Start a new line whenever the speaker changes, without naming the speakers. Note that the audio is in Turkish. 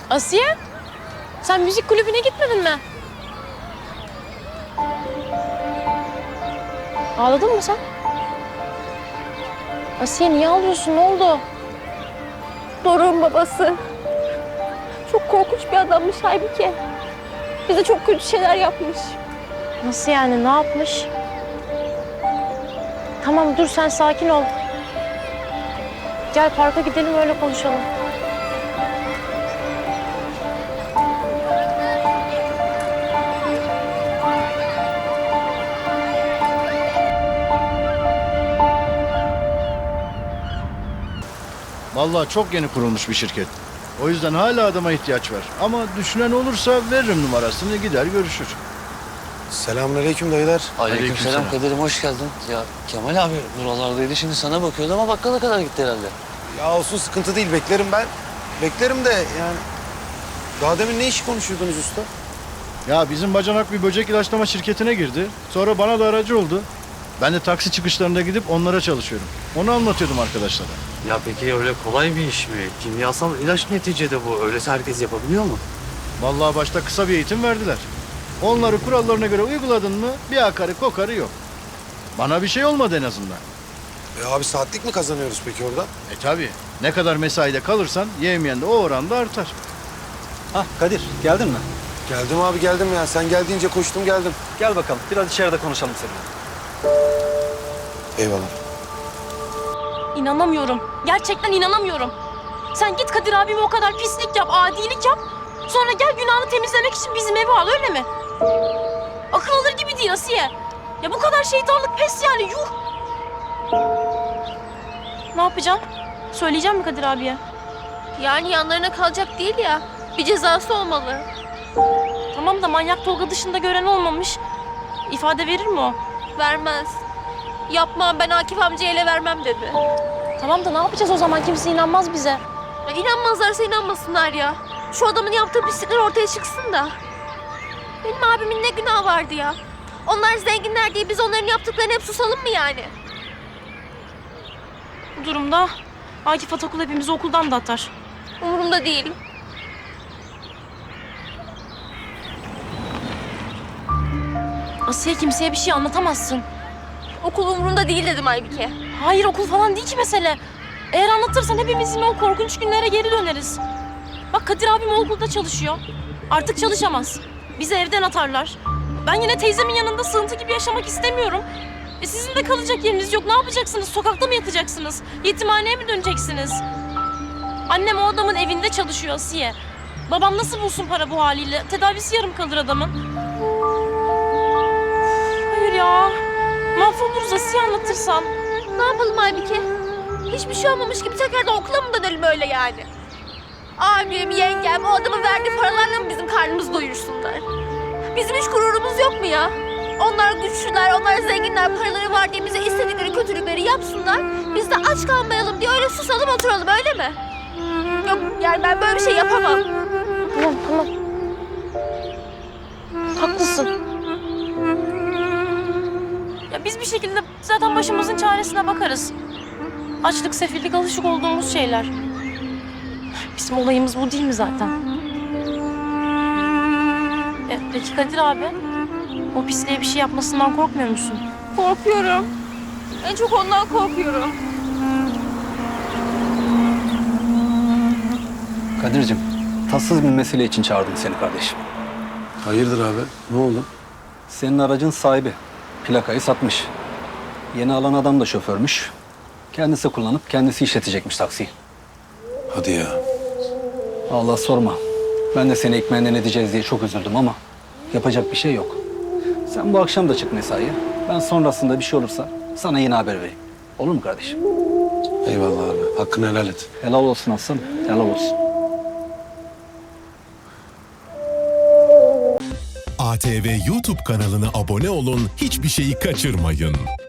Asiye, sen müzik kulübüne gitmedin mi? Ağladın mı sen? Asiye niye ağlıyorsun? Ne oldu?
Doruk'un babası. Çok korkunç bir adammış halbuki. Bize çok kötü şeyler yapmış.
Nasıl yani? Ne yapmış? Tamam dur sen sakin ol. Gel parka gidelim öyle konuşalım.
Vallahi çok yeni kurulmuş bir şirket. O yüzden hala adama ihtiyaç var. Ama düşünen olursa veririm numarasını, gider görüşür.
Selamünaleyküm dayılar.
Aleykümselam Kadir'im, hoş geldin. Ya Kemal abi buralardaydı, şimdi sana bakıyordu ama bakkala kadar gitti herhalde.
Ya olsun, sıkıntı değil, beklerim ben. Beklerim de yani. Daha demin ne işi konuşuyordunuz usta?
Ya bizim bacanak bir böcek ilaçlama şirketine girdi. Sonra bana da aracı oldu. Ben de taksi çıkışlarında gidip onlara çalışıyorum. Onu anlatıyordum arkadaşlara.
Ya peki öyle kolay bir iş mi? Kimyasal ilaç neticede bu. Öyleyse herkes yapabiliyor mu?
Vallahi başta kısa bir eğitim verdiler. Onları kurallarına göre uyguladın mı bir akarı kokarı yok. Bana bir şey olmadı en azından.
Abi saatlik mi kazanıyoruz peki orada?
Tabii. Ne kadar mesaide kalırsan yemeyen de o oranda artar.
Hah Kadir, geldin mi?
Geldim abi, geldim ya. Sen geldiğince koştum geldim.
Gel bakalım, biraz içeride konuşalım seninle.
Eyvallah.
İnanamıyorum. Gerçekten inanamıyorum. Sen git Kadir abime o kadar pislik yap, adilik yap. Sonra gel günahını temizlemek için bizim evi al, öyle mi? Akıl alır gibi değil Asiye. Ya bu kadar şeytanlık pes yani, yuh. Ne yapacaksın? Söyleyeceğim mi Kadir abiye?
Yani yanlarına kalacak değil ya. Bir cezası olmalı.
Tamam da manyak Tolga dışında gören olmamış. İfade verir mi o?
Vermez. Yapmam, ben Akif amcaya ele vermem dedi.
Tamam da ne yapacağız o zaman? Kimse inanmaz bize.
Ya İnanmazlarsa inanmasınlar ya. Şu adamın yaptığı pislikler ortaya çıksın da. Benim abimin ne günahı vardı ya? Onlar zenginler diye biz onların yaptıklarını hep susalım mı yani?
Bu durumda Akif Atakul hepimizi okuldan da atar.
Umurumda değil.
Asiye, kimseye bir şey anlatamazsın.
Okul umurumda değil dedim Aybike.
Hayır, okul falan değil ki mesele. Eğer anlatırsan hepimiz yine o korkunç günlere geri döneriz. Bak Kadir abim o okulda çalışıyor. Artık çalışamaz. Bizi evden atarlar. Ben yine teyzemin yanında sığıntı gibi yaşamak istemiyorum. Sizin de kalacak yeriniz yok. Ne yapacaksınız? Sokakta mı yatacaksınız? Yetimhaneye mi döneceksiniz? Annem o adamın evinde çalışıyor Asiye. Babam nasıl bulsun para bu haliyle? Tedavisi yarım kalır adamın. Hayır ya. Mahvoluruz Asiye anlatırsan.
Ne yapalım Aybike? Hiçbir şey olmamış gibi tekrardan okula mı dönelim öyle yani? Abim, yengem o adamın verdiği paralarla mı bizim karnımızı doyursunlar? Bizim hiç gururumuz yok mu ya? Onlar güçlüler, onlar zenginler, paraları var diye bize istedikleri kötülükleri yapsınlar. Biz de aç kalmayalım diye öyle susalım oturalım, öyle mi? Yok yani ben böyle bir şey yapamam.
Tamam, tamam. Haklısın. Ya biz bir şekilde zaten başımızın çaresine bakarız. Açlık, sefillik alışık olduğumuz şeyler. Bizim olayımız bu değil mi zaten? Peki Kadir abi, o pisliğe bir şey yapmasından korkmuyor musun?
Korkuyorum. En çok ondan korkuyorum.
Kadir'cim, tatsız bir mesele için çağırdım seni kardeşim.
Hayırdır abi? Ne oldu?
Senin aracın sahibi plakayı satmış. Yeni alan adam da şoförmüş. Kendisi kullanıp kendisi işletecekmiş taksiyi.
Hadi ya.
Allah sorma. Ben de seni ekmeğinden edeceğiz diye çok üzüldüm ama yapacak bir şey yok. Sen bu akşam da çık mesaiye. Ben sonrasında bir şey olursa sana yine haber vereyim. Olur mu kardeşim?
Eyvallah abi. Hakkını helal et.
Helal olsun aslanım. Helal olsun.
ATV YouTube kanalına abone olun, hiçbir şeyi kaçırmayın.